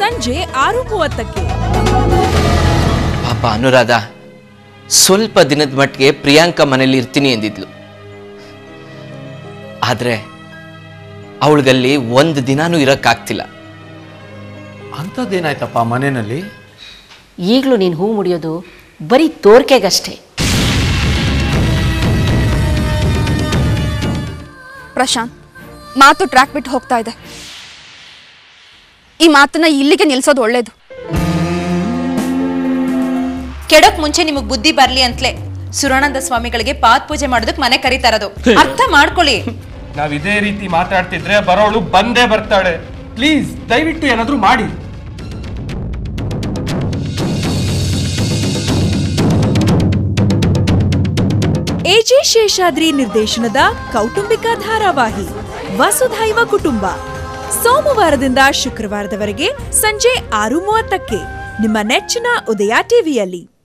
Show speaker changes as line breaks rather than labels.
ಸಂಜೆ 6:30ಕ್ಕೆ.
ಪಾಪ ಅನುರಾಧ ಸ್ವಲ್ಪ ದಿನದ ಮಟ್ಟಿಗೆ ಪ್ರಿಯಾಂಕಾ ಮನೇಲಿ ಇರ್ತೀನಿ ಎಂದಿದ್ಲು. ಆದ್ರೆ ಅವಳಿಗಲ್ಲಿ ಒಂದು ದಿನಾನೂ ಇರಕ್ಕಾಗ್ತಿಲ್ಲ.
ಅಂಥದ್ದೇನಾಯ್ತಪ್ಪ ಮನೆಯಲ್ಲಿ?
ಈಗಲೂ ನೀನು ಹೂ ಮುಡಿಯೋದು ಬರೀ ತೋರ್ಕೆಗಷ್ಟೇ.
ಪ್ರಶಾಂತ್, ಮಾತು ಟ್ರ್ಯಾಕ್ ಬಿಟ್ಟು ಹೋಗ್ತಾ ಇದೆ. ಈ ಮಾತನ್ನ ಇಲ್ಲಿಗೆ ನಿಲ್ಸೋದು ಒಳ್ಳೇದು.
ಕೆಡಕ್ ಮುಂಚೆ ನಿಮಗ್ ಬುದ್ಧಿ ಬರ್ಲಿ ಅಂತಲೇ ಸುರಾನಂದ ಸ್ವಾಮಿಗಳಿಗೆ ಪಾತ್ ಪೂಜೆ ಮಾಡೋದಕ್ಕೆ ಮನೆ ಕರೀತಾ ಇರೋದು. ಅರ್ಥ ಮಾಡ್ಕೊಳ್ಳಿ.
ನಾವ್ ಇದೇ ರೀತಿ ಮಾತಾಡ್ತಿದ್ರೆ ಬರೋಳು ಬಂದೇ ಬರ್ತಾಳೆ. ಪ್ಲೀಸ್ ದಯವಿಟ್ಟು ಏನಾದ್ರೂ ಮಾಡಿ.
ಎಜೆ ಶೇಷಾದ್ರಿ ನಿರ್ದೇಶನದ ಕೌಟುಂಬಿಕ ಧಾರಾವಾಹಿ ವಸುಧೈವ ಕುಟುಂಬ ಸೋಮವಾರದಿಂದ ಶುಕ್ರವಾರದವರೆಗೆ ಸಂಜೆ 6:30ಕ್ಕೆ ನಿಮ್ಮ ನೆಚ್ಚಿನ ಉದಯ ಟಿವಿಯಲ್ಲಿ.